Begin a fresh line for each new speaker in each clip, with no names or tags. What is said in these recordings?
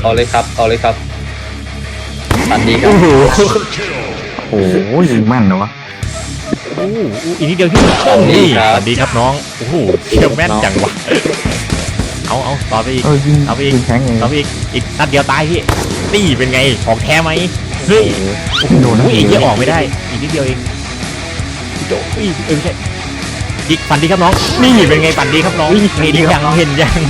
เอาเลยครับเอาเลยครับตันดีครับ
โอ้โหยิงแม่นเหรอวะ
อีกนิดเดียวพี่นี่สวัสดีครับน้องโอ้โหเชี่ยวแม่นจังวะเอาต่อไปอีก
ยิง
เอาไปอีก
ยิงแข็งเลย
ต่อไปอีกนัดเดียวตายพี่นี่เป็นไงของแท้ไหมเฮ้ย
โดนนะ
อีกเยอะออกไม่ได้อีกนิดเดียวเองโดดไม่ใช่อีกฝันดีครับน้องนี่เป็นไงฝันดีครับน้องเห็นยัง
หายไม่ถึง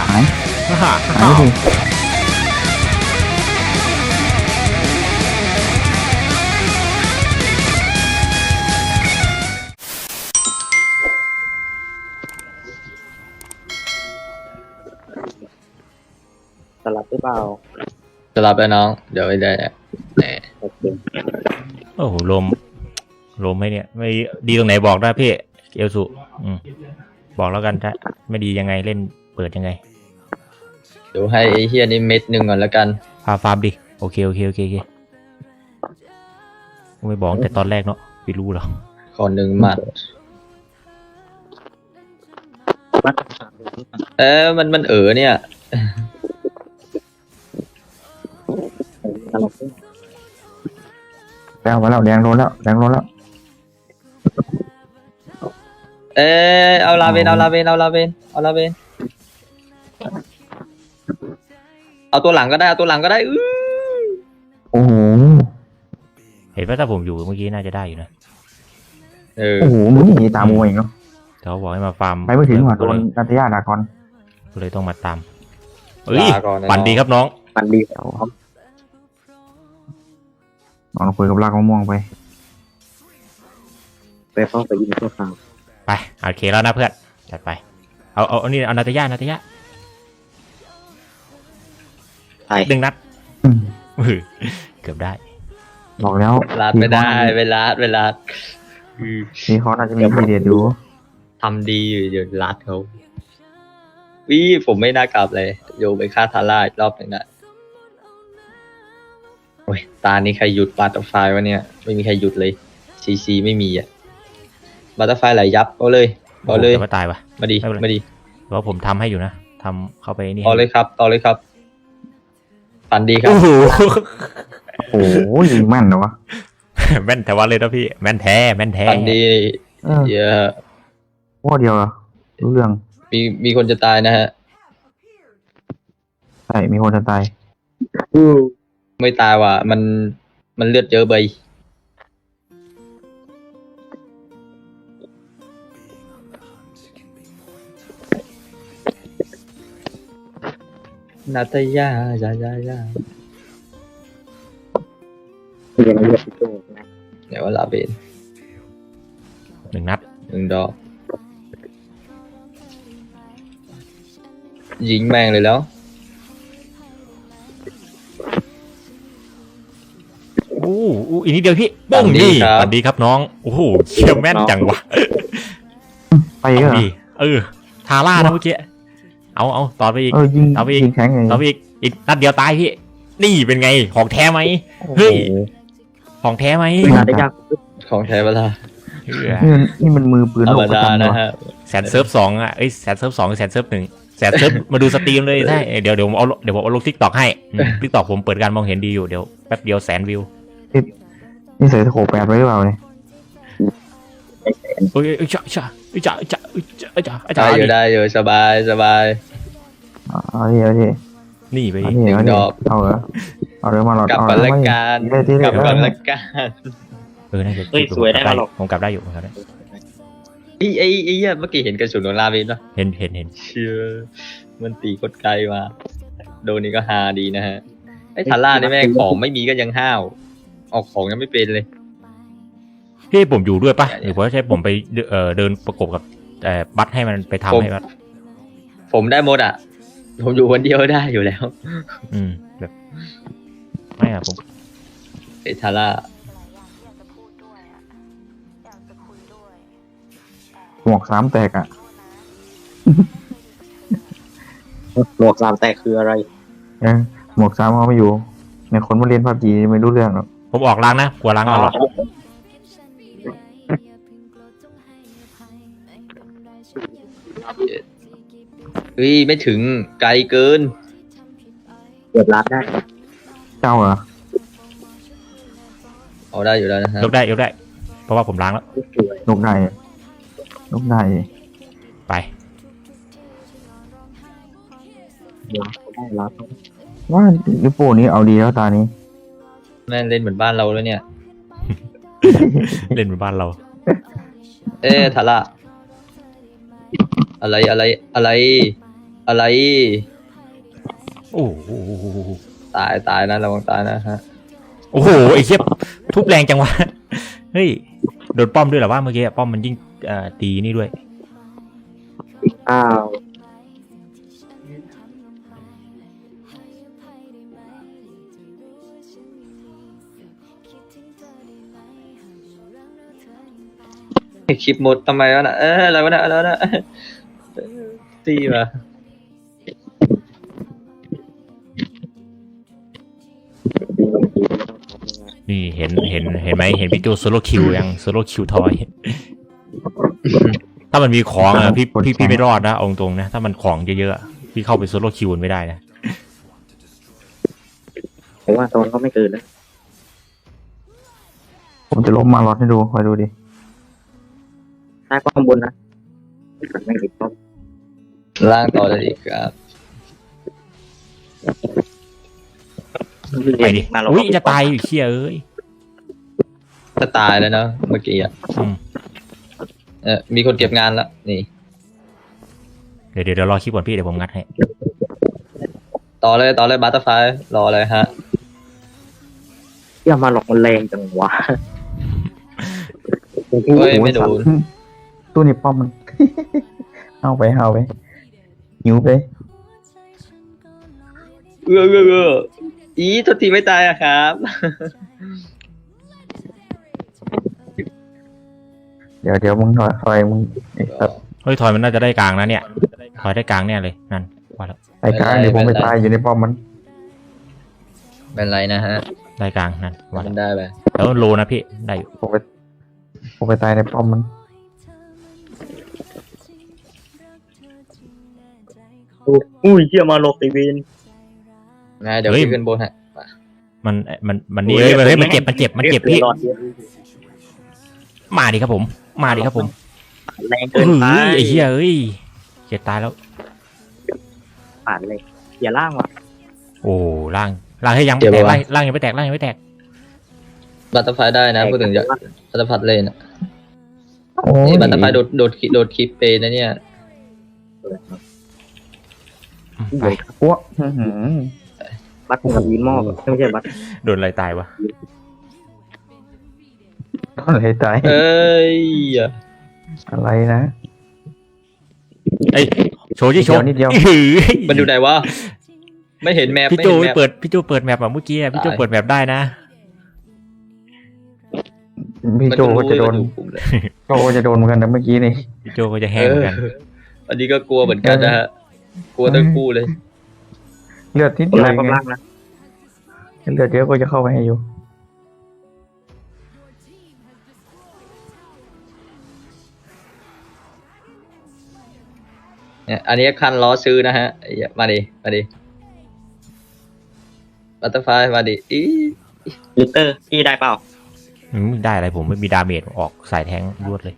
สลับหรือเปล่า
จะรับแล้วน้องเดี๋ยวไปได้แน่
โอเค
โอ้โหลมไหมเนี่ยไม่ดีตรงไหนบอกได้พี่เอลสุบอกแล้วกันถ้าไม่ดียังไงเล่นเปิดยังไง
เดี๋ยวให้ไอ้เฮียนี่เม็ดหนึ่งก่อนแล้วกัน
ฟาร์มดิโอเคไม่บอกแต่ตอนแรกเนาะไม่รู้หรอก
ขอหนึ่งหมัดมันเนี่ย
สลับ
แล้วมาแล้วแดงโดนแล้ว
เอาลาเวนเอาตัวหลังก็ได้
โอ้โห
เห็นว่าถ้าผมอยู่เมื่อกี้น่าจะได้อยู่นะ
โอ้โหมึงหนีตามมวยอีกเนาะ
เขาบอกให้มาฟาร์ม
ไปไม่ถึงว่ะโดนนัทยาดากอน
ก็เลยต้องมาตามฝันดีครับน้อง
ปันดีแล้ว
นอนคุยกับลากมะม่วงไป
ไปเข้าไปยิงตัวข่าว
ไปโอเคแล้วนะเพื่อนจัดไปเอานี่เอานาตยา
ไป
ดึงนัดเกือบได้
บอกแล้ว
ลาดไม่ได้เวลา
นี่เขาน่าจะมีพีเดียดดู
ทำดีอยู่เดี๋ยวลาดเขาผมไม่น่ากลับเลยโยไปฆ่าทาร่าอีกรอบหนึ่งนะโอ้ยตานี้ใครหยุดบัตเตอร์ไฟวะเนี่ยไม่มีใครหยุดเลยซีไม่มีอ่ะบัตเตอร์ไฟไหลยับเอาเลย
แต่ว่าตายวะ
มาดี
เพราะผมทำให้อยู่นะทำเข้าไปนี่
ต่อเลยครับฝันดีครับ
โอ้โหยิงแม่นเหรอวะ
แม่นแต่ว่าเลยนะพี่แม่นแท้
ฝันดีเยอะ
ว่าเดียวเหรอรู้เรื่อง
มีคนจะตายนะฮะ
ใช่มีคนจะตาย
ไม่ตายว่ะมันเลือดเยอะไปนาตยาเดี๋ยวลาเบน
1 นัด
1 ดอกยิงแม่งเลยแล้ว
อีกนิดเดียวพี่บ้องนี่สวัสดีครับน้องโอ้โหเชี่ยวแม่นจังวะ
ไปเหรอ
ทาร่านะเมื่อกี้เอาต่อไปอีก
ยิงแข็งเลย
ต่อไปอีกนัดเดียวตายพี่นี่เป็นไงของแท้ไหมเฮ้ยของแท้ไหม
ของแท้เวลา
นี่มันมือปืน
ธรรมดานะฮะ
แสนเซิร์ฟ 2อ่ะแสนเซิร์ฟ 2แสนเซิร์ฟ 1แสนเซิร์ฟมาดูสตรีมเลยใช่เดี๋ยวผมเอาลง TikTok ให้ TikTok ผมเปิดการมองเห็นดีอยู่เดี๋ยวแป๊บเดียว100,000 วิว
นี่ใส่โข8ไว้หรือเปล่าเนี่ย
ได้อยู่สบาย
เอาดิ
นี่ไปดิ
ดอก
เอาเหรอมาหลอด
กลับก่อนละกัน
น่าจะ
สวยได้หรอก
ผมกลับได้อยู่ครับ
ไอ้เมื่อกี้เห็นกระสุนโดนลาเวนป่ะ
เห็น
เชื่อมันตีกดไกลมาโดนนี่ก็ฮาดีนะฮะไอ้ทาร่านี่แม่ของไม่มีก็ยังห้าวออกของยังไม่เป็นเลย
พี่ผมอยู่ด้วยปะหรือว่าใช่ผมไปเดินประกบกับบัตให้มันไปทำให้บัต
ผมได้หมดอ่ะผมอยู่คนเดียวได้อยู่แล้ว
แบบไม่อะผม
ไอ้ทาร่า
หมวก3แตกอ่ะ
หมวก3แตกคืออะไร
หมวก3เขาไม่อยู่ในคนมาเรียนPUBGไม่รู้เรื่องหรอก
ผมออกล้างนะกลัวล้างเอาหรอ
ไม่ถึงไกลเกิน
เกือบล้านได้
เจ้าเหรอ
เอาได้อยู่แล้วนะฮะ
ยกได้ยกได้ เพราะว่าผมล้างแล้ว
สวย
นกได้นกได้
ไป
ได้ล้าน
ว่าลิปโป้นี้เอาดีแล้วตานี้
แม่งเล่นเหมือนบ้านเราแล้วเนี่ย
เล่นเป็นบ้านเรา
ทาร่าอะไรอะไรอะไรอะไร
โอ้โห
ตายนะระวังตายนะฮะ
โอ้โหไอ้เชี่ยทุบแรงจังวะเฮ้ยโดนป้อมด้วยเหรอว่าเมื่อกี้ป้อมมันยิ่งตีนี่ด้วย
อ้าว
คลิปหมดทำไมวะนะอะไรวะนะอะไรวะนะตีมา
นี่เห็นไหมเห็นพี่โจโซโลคิวยังโซโลคิวทอย ถ้ามันมีของอ่ะพี่ไม่รอดนะเอาตรงๆนะถ้ามันของเยอะๆอะพี่เข้าไปโซโลคิวไม่ได้นะ
ผมว่าโซนเขาไม่เกินนะ
ผมจะล้มมาล็อตให้ดูคอยดูดิ
ใต้ป้อมบนนะไม่ติดป้อม
ล่างต่อเลยอีกครับ
ไปดิ
มาเรา
อุ้ยจะตายอยู่เชี่ยเอ้ย
จะตายแล้วเนาะเมื่อกี้อ่ะ
อืม
มีคนเก็บงานแล้วนี่
เดี๋ยวรอคลิปก่อนพี่เดี๋ยวผมงัดให้
ต่อเลยบัตเตอร์ไฟรอเลยฮะ
เที่ยมาหลอกมันแรงจังวะ
เฮ้ยไม่โดน
ตู้นี้ป้อมมัน เอาไปหิวไป
อีโทษทีไม่ตายอะครับ
เดี๋ยวมึงถอยมึงไอ้สัตว์
เฮ้ยถอยมันน่าจะได้กลางนะเนี่ยถอยได้กลางเนี่ยเลยนั่นว่าแล้ว
ไอ้กลางเดี๋ยวผมไปตายอยู่ในป้อมมัน
เป็นไรนะฮะ
ได้กลางนั่นว่า
มั
แล้ว
นได้ไป
แล้วโลนะพี่ได้อยู่
ผมไปตายในป้อมมัน
อุ้ยเที่ยมาหลอกตีเวน
ไงเดี๋ยวพี่ขึ้นบนฮะ
มันนี่เฮ้ยมันเจ็บพี่
หลอดเยอะ
มาดิครับผม
แรง
เฮ้
เกินไป
ยไอ้เหี้ยเอ้ยเจ็บตายแล้ว
ผ่านเลยอย่าล่างว่ะ
โอ้ล่างให้ยังไม่แตกล่างยังไม่แตก
บัตเตอร์ไฟได้นะพูดถึงจะบัตเตอร์พัดเลยนะ
โอ้ย
นี่บัตเตอร์ไฟโดดคลิปเปนะเนี่ย
ไป
อ้วกอื้อหือ
บัตกับวีนมอบไม่ใช่บัต
โดนอะไรตายวะ
อะไรตาย
เอ้ย
อะไรนะ
ไอ้โชว์โชว์
นิดเดียว
มันอยู่ไหนวะไม่เห็นแมป
พี่โจ
ไม่เห็นแมป
เปิดแมปอ่ะเมื่อกี้พี่โจเปิดแมปได้นะ
พี่โจก็จะโดนโจก็จะโดนเหมือนกันนะเมื่อกี้นี่
พี่โจก็จะแห้งเหมือนกัน
อันนี้ก็กลัวเหมือนกันนะฮะกลัวทั้งคู่เลย
เลือดนิด
คน
เดียว
แรก
ไง
ล่างนะ
เลือดเยอะก็จะเข้าไปให้อยู่
เนี่ยอันนี้คันล้อซื้อนะฮะมาดิบัตเตอร์ไฟมาดิอี
ลิเตอร์พี่ได้เปล่า
ได้อะไรผมไม่มีดาเมจออกสายแทงรวดเลย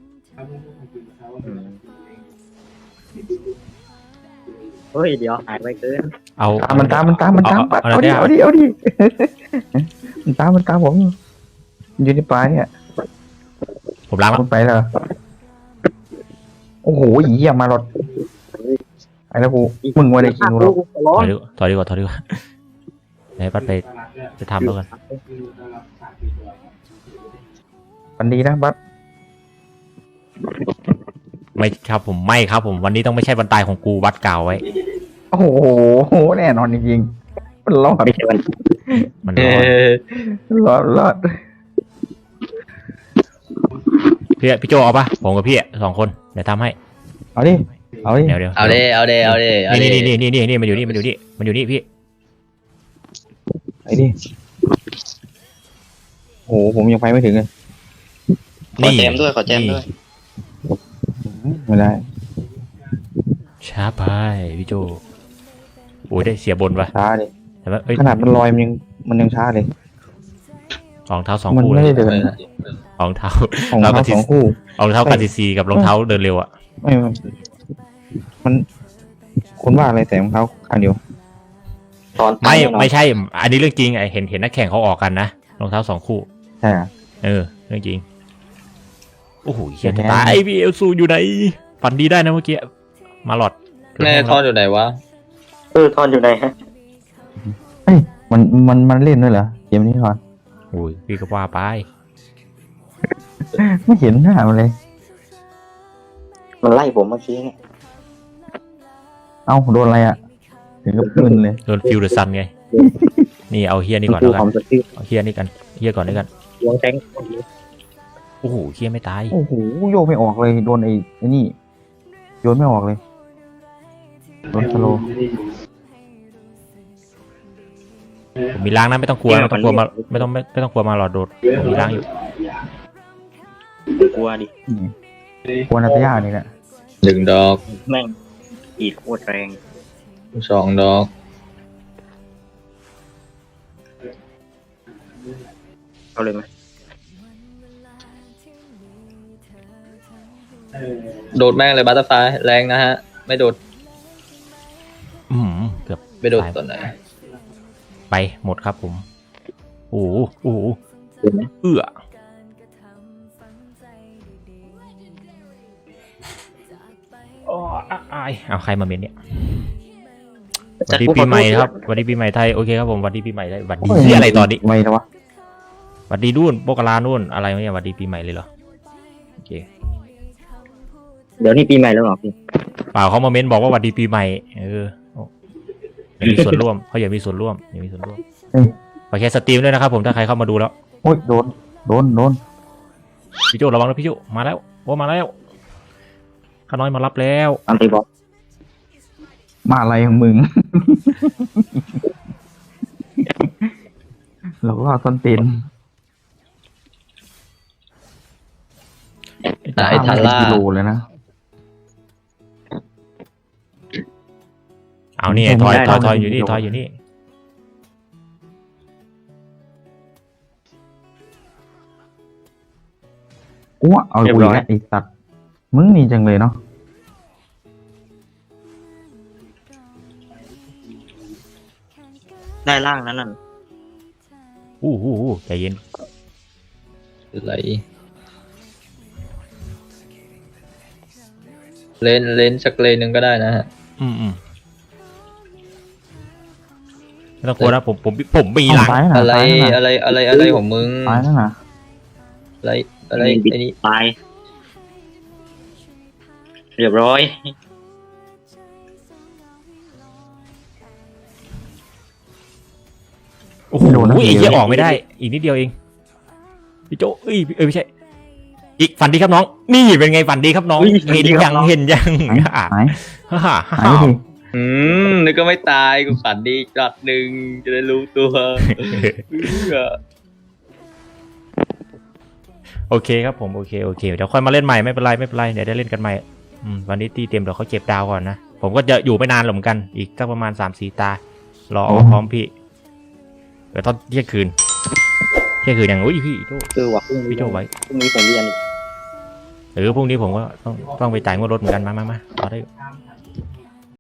เฮ้ยเดี๋ยวหายไปเกิน
เอา
มันตามเอาดิมันตามผมอยู่ในป่าเนี่ย
ผมล้างแล้ว
คุณไปเหรอโอ้โหเหี้ยมาหลดไอ้แล้วกูมึงว่าได้กินกูหรอก
ร้อน
ถอยดีกว่าไหนปัดไปทำแล้วกัน
มันดีนะบัส
ไม่ครับผมวันนี้ต้องไม่ใช่วันตายของกูวัดกล่าวไว้
โอ้โหแน่นอนจริงๆมันรอด
ไม่ใช่วัน
มัน
เอ
รอด
อ
พี่โจเอาปะผมกับพี่สองคนเดี๋ยวทำให้
เอาดิ
เดี๋ยว
เอาเด้
นี่มันอยู่นี่พี่
ไอ้ดิโอ้โหผมยังไปไม่ถึงเลย
ขอแจมด้วย
ไม่ได้
ช้าไปพี่โจโอ้ยได้เสียบนปะ
ช้าดิ
แต่ว่าเอ้ย
ขนาดมันลอยมันยังช้าเลย
รองเท้า2
มัน
คู่
ไม่
เล
ได้
ย
เดิน
รองเท้า
ของ
เราก็
เท้า
ที่
2 คู่
รองเท้ากันซีกับรองเท้าเดินเร็วอ่ะ
ไม่มันคุณว่าอะไรแต่รองเท้าข้างเดียว
ตอน
ไม่ใช่ อันนี้เรื่องจริงไอเห็นนักแข่งเขาออกกันนะรองเท้า2 คู่
ใช่อะ
เรื่องจริงโอ้โหเฮียตายพี่เอลซูอยู่ไหนฝันดีได้นะเมื่อกี้มาหลอด
แม่ทอนอยู่ไหนวะ
ทอนอยู่ไหนฮะ
เอ้ยมันเล่นด้วยเหรอเกมนี้ก่อน
โอ้ยพี่ก็ว่าไป
ไม่เห็นหน้ามันเลย
มันไล่ผมเมื่อกี้เนี่ย
เอ้าโดนอะไรอ่ะถึงกับมึนเลย
โดนฟิวเดอร์ซันไงนี่เอาเฮียนี่ก่อน
คื
แล้ว
ค
กั
วาม
น
สติ
เอาเฮียนี่กันเฮียก่อนด้วยกัน
วงแทง
โอ้โหเฮียไม่ตาย
โอ้โหโยกไม่ออกเลยโดนไอ้นี่โยนไม่ออกเลยโดนสโลว์
ผมมีล้างนะไม่ต้องกลัวไม่ต้องกลัวมาหลอดโดดผมมีล้างอยู่
กลัวดิ
ควรนัตยานี่แหละ
1 ดอก
แม่งอีดโคตรแรง
2 ดอก
เอาเลยไหม
โดดแม่งเลยบัตเตอร์ไฟแรงนะฮะ ไม่โดด
เกือบ
ไม่โดดตอนไหน
ไปหมดครับผมโอ้โห
เห็นไหม
เอาใครมาเมนเนี่ยสวัสดีปีใหม่ครับสวัสดีปีใหม่ไทยโอเคครับผมสวัสดีปีใหม่ไทยสวัสดีที่อะไรตอนนี้
ไม่แล้ววะ
สวัสดีนู่นโบกลานู่นอะไรเนี่ยสวัสดีปีใหม่เลยเหรอโอเค
เดี๋ยวนี้ปีใหม่แล้วเหรอพี่
เปล่าเขามาเมนบอกว่าสวัสดีปีใหม่อยากมีส่วนร่วมเขาอยากมีส่วนร่วมขอแค่สตรีมด้วยนะครับผมถ้าใครเข้ามาดูแล้ว
โอ้ยโดน
พี่โจระวังนะพี่โจมาแล้วมาแล้วข้าน้อยมารับแล้ว
อันตีบอส
มาอะไรของมึง เราก็ต้นเต็น
ไอ้ทาร่า
กิโลเลยนะ
เอานี่ทอยอยู่นี่
กูว่าเอาคุยแล้วไอ้สัตว์มึงนี่จังเลยเนาะ
ได้ล่างนั้นน่ะ
ใจเย็น
ไหลเลนสักเลนหนึ่งก็ได้นะฮะ
ไม่ต้องกลัวนะผมมีหลัง
ซ้ายน่ะ
อะไร
ซ้ายน่ะ
อะไรของมึง
ซ้ายนั่นน่ะ
อะไรไอ้นี่
ตายเรียบร้อย
โอ้โหไอ้เหี้ยออกไม่ได้ อีกนิดเดียวเองพี่โจไม่ใช่ อีกฝันดีครับน้อง นี่เป็นไงฝันดีครับน้อง เห็นยัง
หายไปดิ
นึกก็ไม่ตายกูฝันดีจัดหนึ่งจะได้รู้ตัว
โอเคครับผมโอเคเดี๋ยวค่อยมาเล่นใหม่ไม่เป็นไรเดี๋ยวได้เล่นกันใหม่วันนี้ตีเต็มเดี๋ยวเขาเก็บดาวก่อนนะผมก็จะอยู่ไม่นานหรอกเหมือนกันอีกสักประมาณ 3-4 ตารอพร้อมพี่เดี๋ยวตอนเที่ยงคืนอย่างพี่โจ
ว่ะ
พี่โจไว้
พรุ่งนี้ผมเรียน
พรุ่งนี้ผมก็ต้องไปจ่ายงวดรถเหมือนกันมาต่อได้